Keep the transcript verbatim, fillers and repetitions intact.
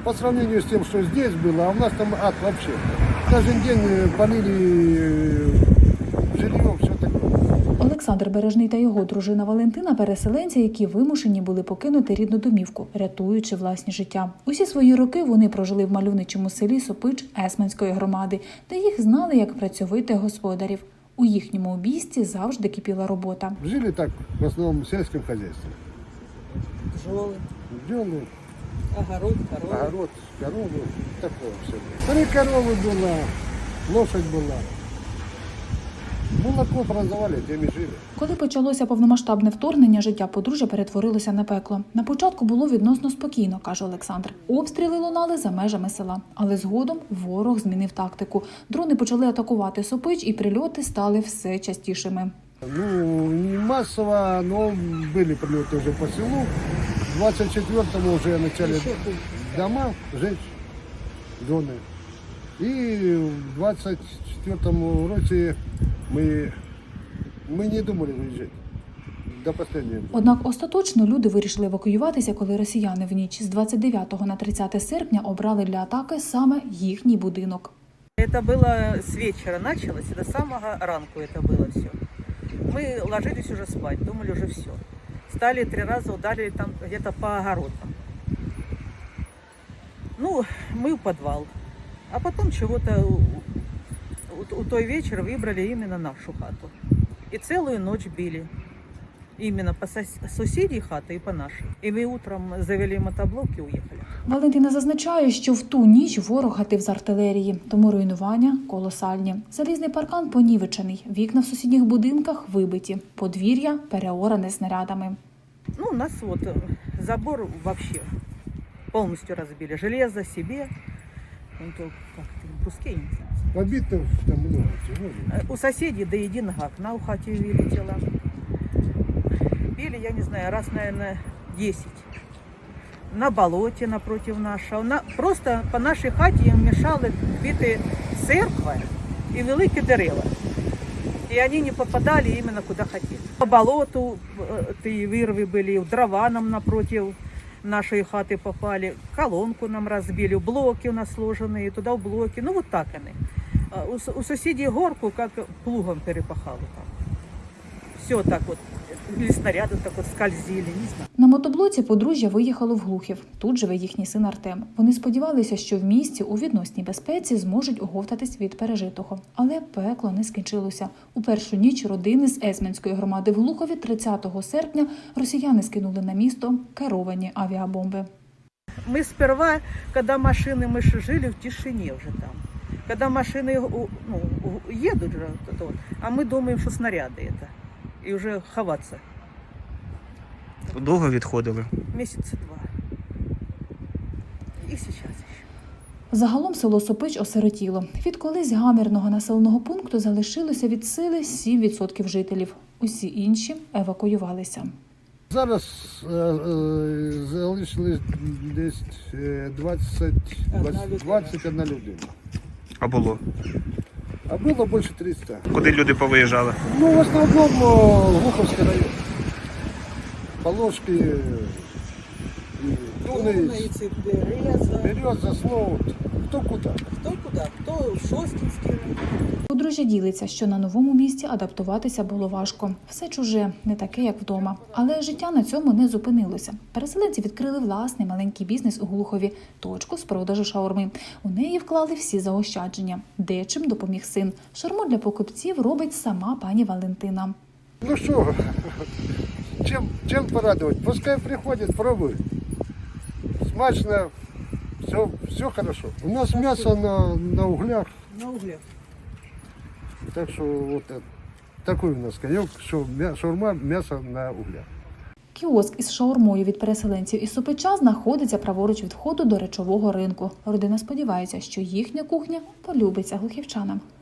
по сравнению с тем, что здесь было, а у нас там ад вообще. Каждый день полили жилье, все такое. Олександр Бережний та його дружина Валентина – переселенці, які вимушені були покинути рідну домівку, рятуючи власні життя. Усі свої роки вони прожили в мальовничому селі Сопич Есменської громади, де їх знали як працьовитих господарів. У їхньому обійсті завжди кипіла робота. Жили так, в основном в сельском хозяйстве. Пчелы, Бджолы, огород, коровы. огород, коровы, такое все. Три коровы было, лошадь была. Молоко продавали, тем и жили. Коли почалося повномасштабне вторгнення, життя подружжя перетворилося на пекло. На початку було відносно спокійно, каже Олександр. Обстріли лунали за межами села. Але згодом ворог змінив тактику. Дрони почали атакувати Сопич, і прильоти стали все частішими. Ну, не массово, но были прилеты уже по селу. В двадцать четвёртом уже начали дома жечь, зоны. И в двадцать четвёртом році мы, мы не думали выезжать до последнего. Однак остаточно люди вирішили евакуюватися, коли росіяни в ніч з двадцять дев'ятого на тридцяте серпня обрали для атаки саме їхній будинок. Это было с вечера началось, и до самого ранку это было все. Мы ложились уже спать, думали уже все. Стали три раза ударили там где-то по огородам. Ну, мы в подвал. А потом чего-то у, у, у той вечера выбрали именно нашу хату. И целую ночь били. Именно по сос- соседей хаты и по нашей. И мы утром завели мотоблок и уехали. Валентина зазначає, що в ту ніч ворог гатив з артилерії, тому руйнування колосальні. Залізний паркан понівечений, вікна в сусідніх будинках вибиті, подвір'я переоране снарядами. Ну, у нас вот э, забор вообще полностью разбили. Железо себе, ну, то как-то бруски, я не знаю. Побитых там много всего. Э, У соседей до единого окна у хати вылетело. Били, я не знаю, раз, наверное, десять. На болоте напротив нашего. На, просто по нашей хаті їм мешали бити церква і великі дерева. И они не попадали именно куда хотели. По болоту э, вырвы были, в дрова нам напротив нашей хаты попали, колонку нам разбили, блоки у нас сложенные, туда в блоки, ну вот так они. А У, с- у соседей горку как плугом перепахало там. Все так вот, или снаряды так вот скользили, не знаю. На мотоблоці подружжя виїхало в Глухів. Тут живе їхній син Артем. Вони сподівалися, що в місті у відносній безпеці зможуть оговтатись від пережитого. Але пекло не скінчилося. У першу ніч родини з Есменської громади в Глухові тридцятого серпня росіяни скинули на місто керовані авіабомби. Мы сперва, когда машины, мы же жили в тишине уже там. Когда машины у- ну, у- едут же, вот это вот, а мы думаем, что снаряды это. И уже ховаться. Довго відходили? Месяца два. И сейчас еще. Загалом село Сопич осиротіло. Від колись гамірного населеного пункту залишилося від сили сім відсотків жителів. Усі інші евакуювалися. Зараз е, е, залишилось десь е, двадцять, двадцять, двадцять одна людина. А було? А було більше триста. Куди люди повиїжджали? Ну, в основному Глуховський район. Положки, і Туни, Умницы, Береза. Береза, Слоут. Хто куди? Кто куда? Кто в Шостинский. Подружжя ділиться, що на новому місці адаптуватися було важко. Все чуже, не таке, як вдома. Але життя на цьому не зупинилося. Переселенці відкрили власний маленький бізнес у Глухові – точку з продажу шаурми. У неї вклали всі заощадження. Дечим допоміг син. Шаурму для покупців робить сама пані Валентина. Ну що, чим, чим порадувати? Пускай приходять, пробують. Смачно, все, все хорошо. У нас м'ясо на, на углях, На углях. так що вот это, такой у нас конек, що м'я- шаурма, м'ясо на углях. Кіоск із шаурмою від переселенців із Сопича знаходиться праворуч від входу до речового ринку. Родина сподівається, що їхня кухня полюбиться глухівчанам.